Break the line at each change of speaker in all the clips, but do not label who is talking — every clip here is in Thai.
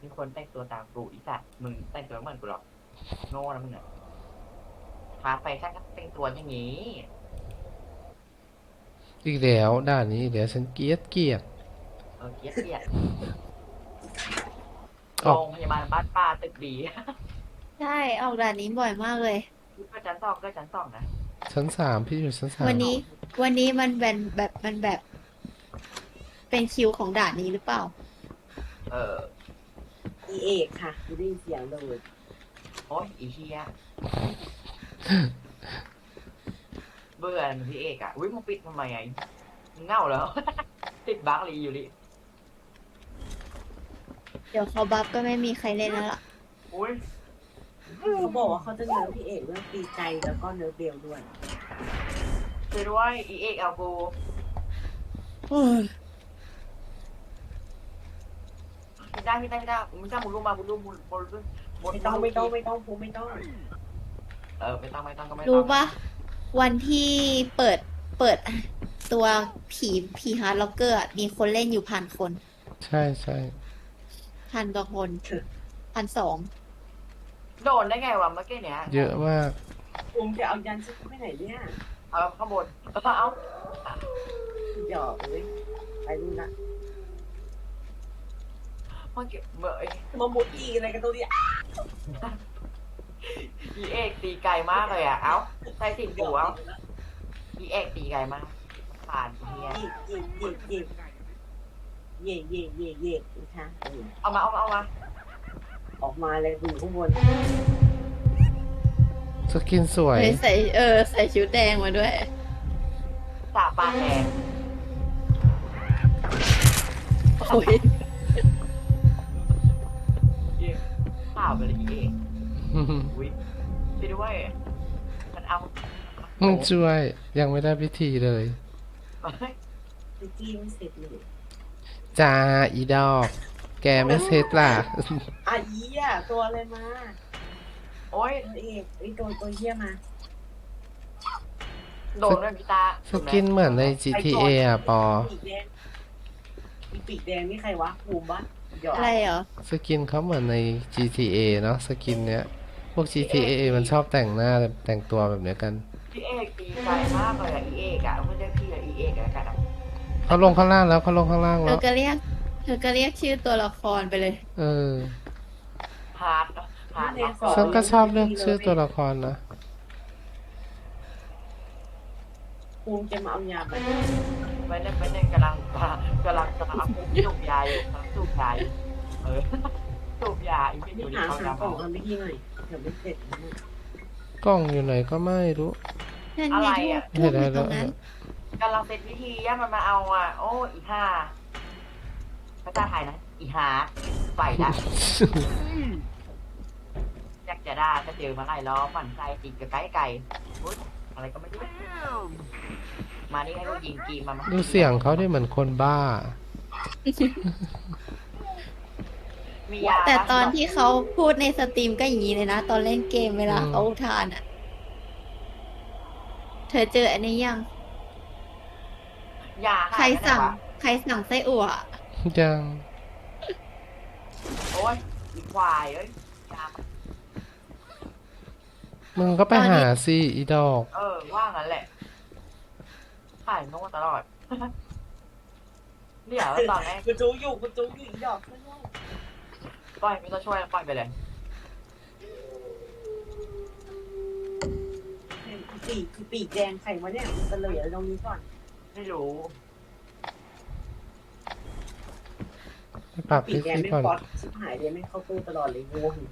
มีคนแต่งตัวตามกูอีสัตว์มึงแต่งตัวเหมือนกูหรอกโง่นะมึงอ่ะพาไปช่างก็แต่งตัวอย่างนี้
อีกแล้วด่านนี้เดี๋ยวฉันเกลียด
เกลียดเกลียด
ออก
โรงพยาบาลบ้านป้าตึกดี
ใช่ออกด่านนี้บ่อยมากเลย
ก็ชั้นสองก็ชั้นสองนะ
ชั้นสามพี่อยู่ชั้นสาม
วันนี้วันนี้มันเป็นแบบเป็นคิวของด่านนี้หรือเปล่า
เออ
อีเอกค่ะไม่ได้ยินเสียงเลย
โอ้ยอีเฮียเบื่อพี่เอกอ่ะอุ้ยมึงปิดทำไมไงมึงเง่าแล้ว ติดบั๊กลีอยู่ดิ
เดี๋ยวเขาบัฟก็ไม่มีใครเล่นแล้วล่ะ
อุ้ย
เขาบอกว่าเขาจะเนิร์ฟพี่เอกเรื่องตีใจแล้วก็เนิร์ฟเบลด้วย
ช่วยด้วยอีเอกเอากูไม่ได้ไม่ได้ไม่ได้มึงจ้างมึงรู้มามึงรู้มึง
ไม่ต้องไม่ต้องไม่ต้องพูไม่ต้อง
ไม่ต้องไม่ต้องก็ไม่ต้อง
รู้ปะวันที่เปิดตัวผีฮาร์ดล็อกเกอร์มีคนเล่นอยู่1,000 คน
ใช่ใช่
1,000 กว่าคน1,200
โดนได้ไงวะเมื่อกี้เนี้ย
เยอะมาก
ภูมิจะเอายันชุดไปไหนเนี่ย
เอาข้างบนแล้วก็เอา
หยอกเลยไปดูนะ
เมื่อกี้เมื่อ
มามุดอีอะไรกันตัวเนี้ย
อีเอกตีไกลมากเลยอ่ะเอ้าใส่สิบหัวอีเอกตีไกลมากผ่านเฮีย
เย่เย่เย่เย่เย่เย่เย่นะคะ
เอามา
ออกมาเลยอยู่ข้างบน
สกินสวย
ใส่ชุดแดงมาด้วย
สาปลาแดง
โอ้ย
ข่าวไปเลยอีเอกอุ้ยไปด้วยมันเอา
มึงช่วยยังไม่ได้พิธีเลย
ไปกินเสร็จเลย
จ้าอีดอก แกไม่เซ็ตล่ะ
อีอ่ะตัวอะไรมา
โอ้ย
ตัวเอกไอตัวเหี้ยมา
โดนด้วยพี่ตา
สกินเหมือนใน GTA อ่ะปอ
ปีกแดงมีปีกแดงนี่ใครวะภูมิปะหยอก
อะไรเหรอ
สกินเขาเหมือนใน GTA เนาะสกินเนี้ย พวก GTA มันชอบแต่งหน้าแต่งตัวแบบเนี้ยกัน
พี่เอกตีไกลมากเลยอ่ะอีเอกอ่ะไม่ใช่พี่อ่ะอีเอกอ่ะกันอ่ะ
เขาลงข้างล่างแล้วเขาลงข้างล่าง
เธ
แล้
อ
ว
ก็เรียกชื่อตัวละครไปเลย
เออ
ฮาร์ดฮาร์ด
ฉันก็ชอบเลือกชื่อตัวละครนะ
ภูมิจะมาเอายาไป
ไปเนี่ยกำลังเอาสูบยาอยู่สูบยาอยู่สูบยาอีกไม่อยู่ดี
หา
เขา
หากล่อง
จะ
ทำไม่ที่หน่อยเดี๋ยวไม่เสร็จนะ
กล้องอยู่ไหนก็ไม่รู้
นั่นไงทูบอยู่ตรงนั้น
กำลังเป็นพิธีย่ามันมาเอาอ่ะโอ้อีห่าพระเจ้าไทยนะอีหาไปละอยากจะด่าก็เจอมาไล่ล้อฝันใจติดกับไก่อุ๊ยอะไรก็ไม่รู้มานี่ให้ลูกยิงกีมา
ดูเสียงเขาได้เหมือนคนบ้า
มียา
แต่ตอนที่เขาพูดในสตรีมก็อย่างนี้เลยนะ ตอนเล่นเกมเวลาเขาอุทานอ่ะ เธอเจออันนี้ยัง
ยา
ใครสั่งไส้อั่ว
ยัง
โอ้ยอีควายเอ้ยยา
มึงก็ไปหาสิอีดอก
ว่างั้นแหละขายโน่ตลอดเดี๋ยวตอนแรก
กูจูอยู่อีดอกขึ้นลูก
ปล่อยไม่ต้องช่วยปล่อยไปเลย
ปีกแดงใครวะเนี่ยมันเฉลยตรงนี้ก่อน
ไม่รู้
ไปปรับ
ปี
พิ
กแดง
ธี
ไม่
ก่อน
ป๊อตชิบหายเลยไม่เข้าตู้ตลอดเลยงง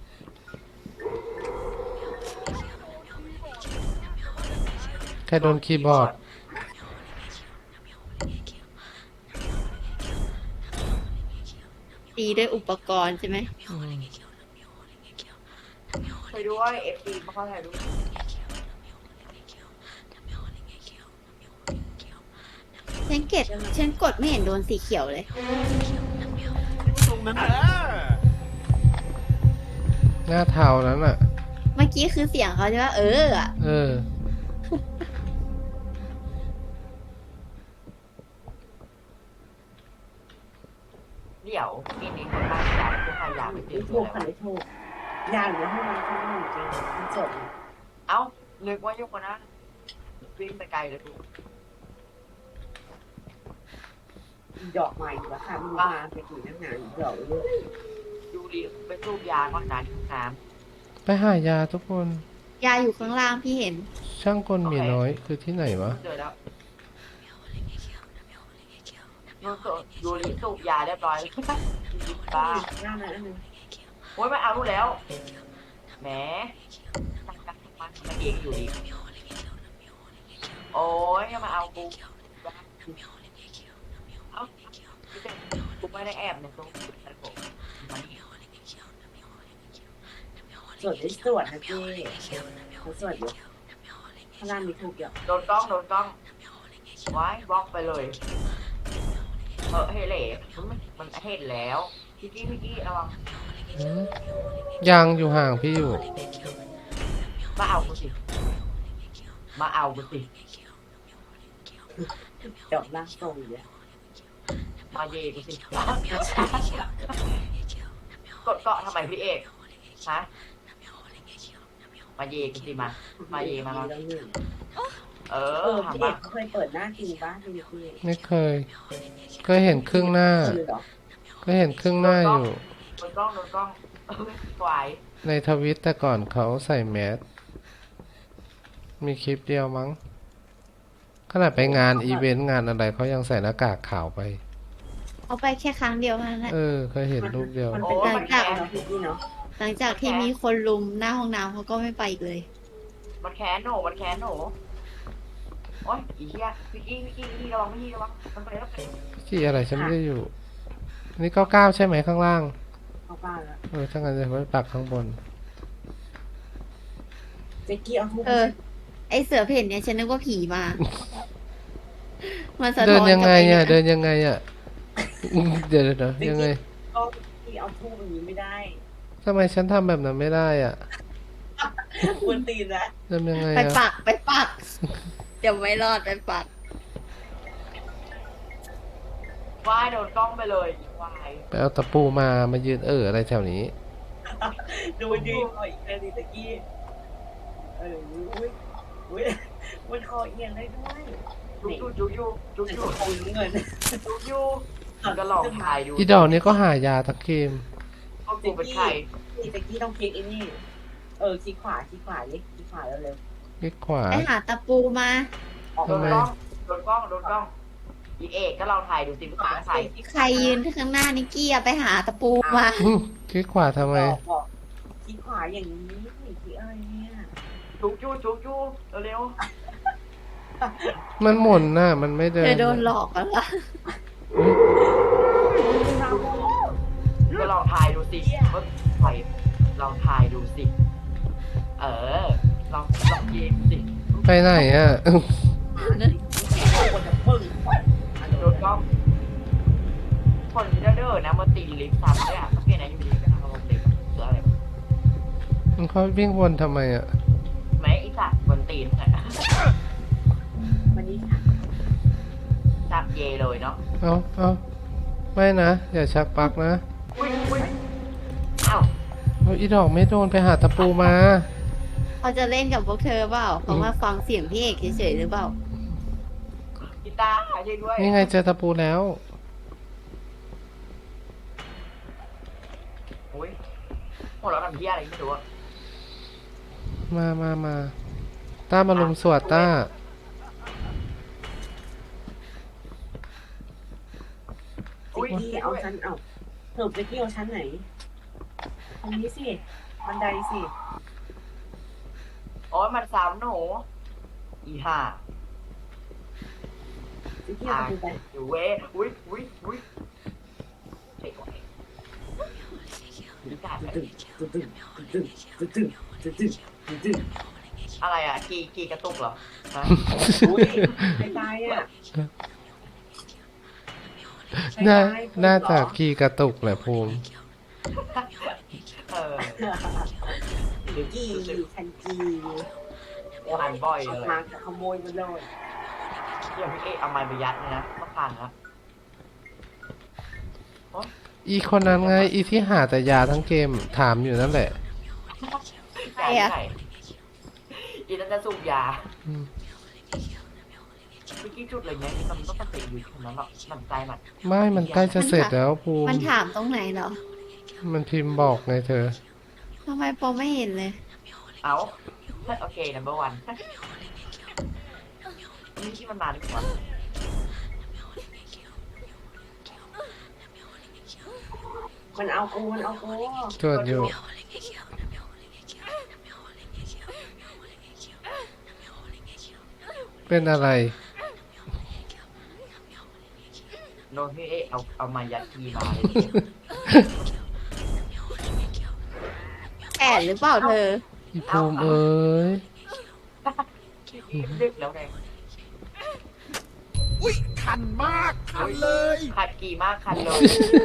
แค่โดนคีย์บอร์ด
ตีด้วยอุปกรณ์ใช่ไหม
ไปด้วยเอฟซีมาเข้าถ่ายรูป
ฉันกดไม่เห็นโดนสีเขียวเลย
ตรงนั้นแหละ
หน้าเทานั้นอ่ะ
เมื่อกี้คือเสียงเขาใช่ไหมอะ
เออ
เดี๋ยวมีคนบ้านยาผู้ขายยาไปเตรี
ไม่
ยม
ถู
ตัว
ก
อะไร
ค่ะ
วะ
ไม่ถูกยาอยู่ในห้องน้ำข้างนอกจริงมันจบ
เอ้านึกว่ายุคคนนั้นวิ่งไปไกลเลยกู
ดอกใหม่อยู่แล้วค่ะมันมาไปกี่นักหนาดอกเยอะ
ยูรีไปสูบยาก่อนนะที่น้
ไปหายาทุกคน
ยาอยู่ข้างล่างพี่เห็น
ช่างกลหมีน้อยคือที่ไหนวะ
ำเจอแล้วยูรีสูบยาเรียบร้อยแล้วบ้า
หน้านั้นอันนึง
โอ้ยไม่เอารู้แล้วแหมมันเองอยู่ดีโอ้ยอย่ามาเอากูเอากูไม่ได้แอบในตรงนั้นผมมันนี่
สวดได้สวดนะเจ้เขาสวดอยู่ข้างล่างมีถูกเยอะ
โดนกล้องไว้บล็อกไปเลยเฮ้ยเหล่มันเห็นแล้วพี่กี้ระวัง
อืมยังอยู่ห่างพี่อยู่
มาเอากูสิมาเอากูสิ
ดอกล่างทรงอยู่เลย
มาเยกูสิกดเกาะทำไมพี่เอกฮะมาเยกูสิมาเยมา
แล้วหนึ่ง
เอ
เอ
อ
อ
ถาม
พี่
ว่า
เคยเปิดหน้าจริงป่ะพี่พี่
ไม่เคย ก็เห็นครึ่งหน้า
คือหรอ
ก็เห็นครึ่งหน้าอยู่
โดนกล้องไหว
ในทวิตแต่ก่อนเขาใส่แมส มีคลิปเดียวมั้ง ขนาดไปงานอีเวนต์งานอะไรเขายังใส่หน้ากากขาวไป
เอาไปแค่ครั้งเดียวเท่านั้นแหละ
เคยเห็นรูปเดียว
มันเป็นการแก้เนาะพี่เนาะ
หลังจากที่มีคนลุมหน้าห้องน้ำเขาก็ไม่ไปอีกเลย
มันแค้นหนูโอ๊ยอีเหี้ยพี่กี้ระวังมันไปแล้ว
ที่อะไรฉันไม่ได้อยู่ นี่99ใช่ไหมข้างล่าง
เข้าบ้านแล้ว
ถ้างั้นจะไว้ปักข้างบน
เจ๊กี้เอาทุก
เออ ไอเสือเพ่นเนี่ยฉันนึกว่าผีมา มันสะ
เดิ
ท้อน น
ยัง
กลับ
ไง
ไป
อ่ะ
เนี่ย
เดินยังไงอ่ะ เดี๋ยวยังไง
ก็ที่เอาทุกอย่างนี้ไม่ได้
ทำไมฉันทำแบบนั้นไม่ได้อ่ะ
ควรตีนนะ
ทำยังไง
ไป
อ่ะ
ปัก เดี๋ยวไม่รอดไปปัก
วายโดนกล้องไปเลยวาย
ไปเอาตะปูมายืนอะไรแถวนี้
ดูดีคออีกเลยตะกี้อุ้ยมันคอเอียงได้ด้วย
จุก
คุยเงิน
ยูก็ลองถ่ายดู
อีดอกนี้ก็หายาทั้งเกม
ก็กูเป็นใคร
ตะกี้ต้องคลิกไอ้นี่คลิกขวาคลิกขวาเร็ว
คลิกขวา
ไปหาตะปูมา
ออก
โดน
ทำไม
กล้องอีเอกก็ลองถ่ายดูสิมันเป็นใคร
ใครยืนข้างหน้านิกกี้อะไปหาตะปูมา
คลิกขวาทำไม
บอกคลิกขวาอย่างนี้คลิกอะไรเนี่ย
จุกยูเร็ว
มันหมุนน่ะ มันไม่เดิ
เธ
น
อโดนหลอกแล้วล่ะ
ก็ลองถ่ายดูสิว่าใครลองถ่ายดูสิลองยิงสิ
ไปไหนอ่ะ
คนจะปึ้ง
โดนกล้องคนเด้อนะมาตีลิฟต์ซ้ำด้วยอ่ะสังเกตนะอยู่ดีก็ทำลงลิฟต์คืออะไร
เขาวิ่งวนทำไมอ่ะ
แม้อีสัตว์บนตีนเลย
วันนี้ค่ะ
จับเยเลยเนาะ
เอาไม่นะ อย่าชักปลักนะ
อุ้ยอ้าว
เอาอีดอกไม่โดนไปหาตะปูมา
เขาจะเล่นกับพวกเธอเปล่าเขามาฟังเสียงพี่เอกเฉยๆหรือเปล่า
กีตาร์ช่วยด้วย
นี่ไงเจอตะปูแล้ว
อุ้ยพวกเราทำเพี้ยอะไรไม่รู้อะ
มาต้ามาลุมสวดต้า
อุ้ย
พี่เอาชั้นเอาเถิบไปที่เอาชั้นไหนตรงนี้สิบันไดสิ
โอ้ยมันซ้ำหนูอีห่า
ที่เอาไป
อยู่เว้ยอุ้ยเด็กวัยกีตาร์
ตึ้ง
อะไรอ่ะกีกระตุกเหรอฮะ
อุ้ยไม่ตายอ่ะ
น่าจะกี่กระตุกแหละภูมิ
หรือกี่ทันกี
ผ่านบ่อยเลย
มาขโมยมันเลย
เดี๋ยวพี่เอ๊เอาไม้ไปยัดเลยนะต้องผ่านครับ
อีคนนั้นไง อีที่หาแต่ยาทั้งเกมถามอยู่นั่นแหละ
ใครอะ
ไหนอีนั่นจะสูบยา
อืม
เมื่อกี้จุดเลยเนี่ยมันต้องเตะอยู่ตรงนั้นหรอกมันใจมัน
ไม่มันใกล้จะเสร็จแล้วภูมิ
มันถามตรงไหนเหรอ
มันพิมพ์บอกไงเธอ
ทำไมโปไม่เห็นเลย
เอาโอเค number one นี่ที่มันมาดีกว่า
มันเอากูมันเอากู
ตรวจอยู่ เป็นอะไร
โนที่เอามายัดทีมาเลย
แอนหรือเปล่าเธอ
อีภูมิเอ้ย
ดึกแล้วไง
อุ้ยคันมาก คันเลย
ขัดกี่มากคันเลย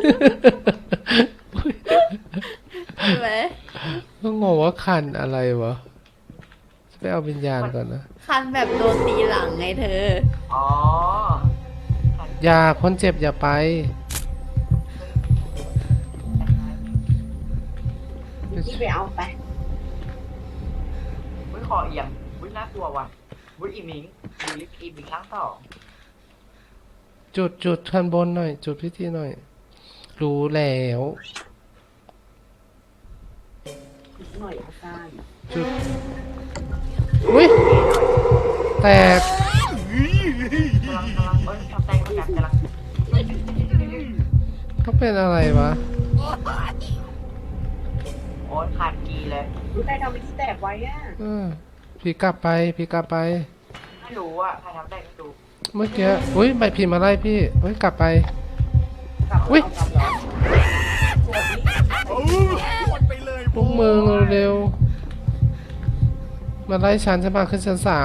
ใช่ไหม
ก็งงว่าคันอะไรวะไปเอาวิญญาณก่อนนะ
คันแบบโดนตีหลังไงเธอ
อ๋อ
อย่าคนเจ็บอย่าไป
ที่ไปเอาไป
อุ้ยคอเอียงอุ้ยน่ากลัวว่ะอุ้ยอีมิงดูลิฟต์อีมิงครั้งสอง
จุดข้างบนหน่อย จุดพิธีหน่อย รู้แล้ว
หน่อยอาจารย์
จุด อุ้ย แตก
กำลังเอ้ยทำแตงกำลัง
เขาเป็นอะไรวะ
โอ้ยขาดกีเลย
รู้ใครทำวิธีแตกไว้อะ
พี่กลับไป พี่กลับไป
ไม่รู้อ่ะใครทำได้ไม่รู้
เมื่อกี้ อุ้ยใบพิมพ์มาไล่พี่อุ้ย กลับไป
กลับ
อุ๊ย
เอากลับเหรอสวัสดี
เออหมดไปเลย
พวกมึงเร็วๆมาไล่ฉันจะมาขึ้นชั้นสาม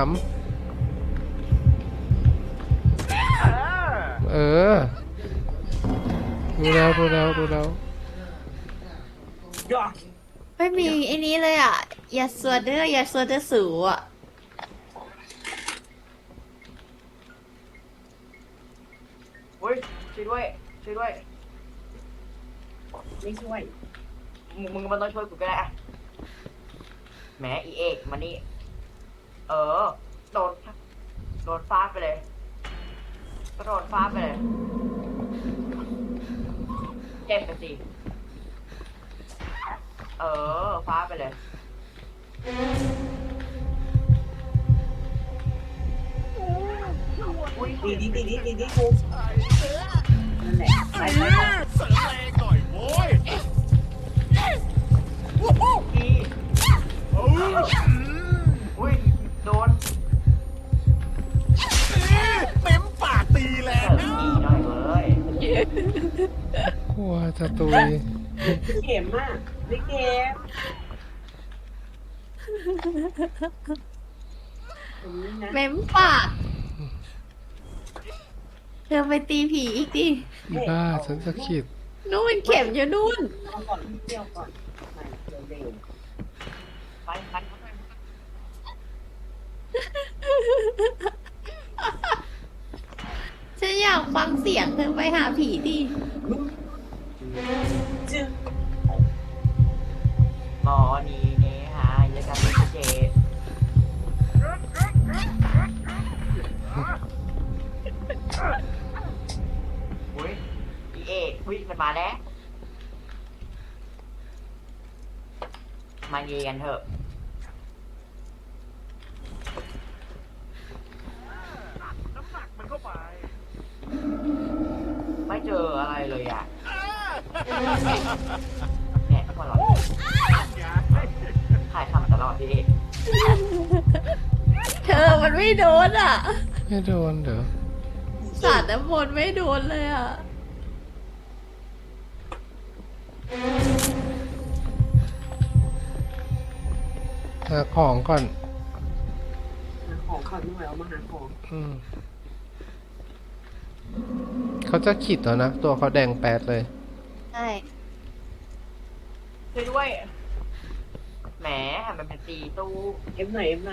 เออ ดูแล้วดูแล้วดูแล้ว
ยอด
ไม่มีไอ้นี้เลยอ่ะ อย่าสวดเด้ออย่าสวดเด้อสูอ่ะ
อุ้ยช่วยด้วยช่วยด้วย
ไม่ช่วย
มึงมันต้องช่วยกูก็ได้อะแหมอีเอกมานี่เออโดนฟาดไปเลยก็โดนฟาดไปเลยเจ็บไปสิเออฟาดไปเลยอุ้ย
ดีกูนั่นแหละไปไปไป
เสริมแรงหน่อยโว้ย
ดี
เออ
อุ้ยโดน
เต็มปากตีแร
เสิ
ง
ร์ฟดีหน่อยเว้ย
กลัวจะตุย
เข็มอ่ะไม่เข็มอย่างนี้นะ
เม้มปาก เธอไปตีผีอีกดิ
อีบ้าฉันจะขีด
นู่นเข็มอยู่นู่น
เอาก่อนเที่ยวก่อนไปเร็ว
ไปไปไป
ฉันอยากฟังเสียงเธอไปหาผีดิ
ๆจึ๊ง
หมอนี่เนหายแล้วกันเจอุ้ยอีเอกอุ้ยมันมาแล้วมาเยกันเถอะ
น้ำหนักมันเข้าไป
ไม่เจออะไรเลยอ่ะเนี่ยทุกคนเราถ่ายทำตลอดพี่เอก
เธอมันไม่โดนอ่ะ
ไม่โดนเด้อ
สาดน้ำมนต์ไม่โดนเลยอ่ะ
หาของก่อน
หาของก่อนหน่อยเอามาหาของ
อืมเขาจะขีดแล้วนะ ตัวเขาแดงแป๊ดเลย
ใช่
ช่วยด้วยแหมมันเป็นตีตู้
เอฟหน่อยเอฟหน่อย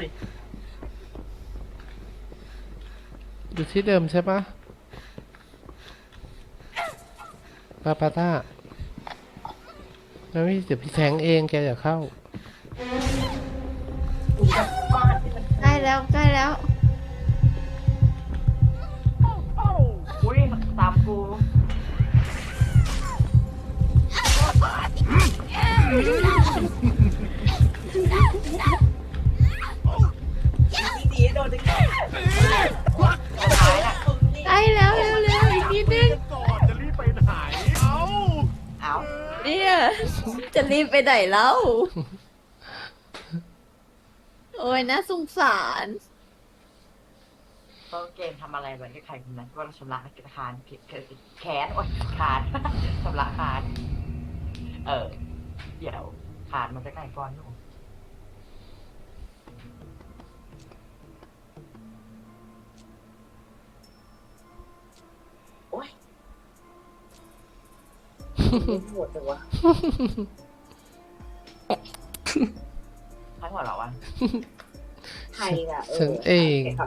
อยู่ที่เดิมใช่ปะปาปาต้าไม่เดี๋ยวพี่แทงเองแกอย่าเข้า
กูจะฟาดให้มัน
ใกล้แล้วใกล้แล้ว
อุ้ยตามกู
ดีๆโดนดึง
สุดท้ายน่ะ
ใกล้แล้วเร็วเร็วอีกนิดนึง
ก่อนจะรีบไปไหน เอ้า
เอา
เนี่ยจะรีบไปไหนแล้ว โอ้ยน่าสงสาร
ต้นเกมทำอะไรเหมือนกับใครคนนั้นว่าเราชำระคานผิดแขนโอ๊ยคาน ชำระคานเดี๋ยวคานมันจะใกล้ก้อนอยู่
โอ๊ยปวดจังวะ
ใครหัวเราะวะ
ใครอ่ะ
ฉันเอง
แกขับ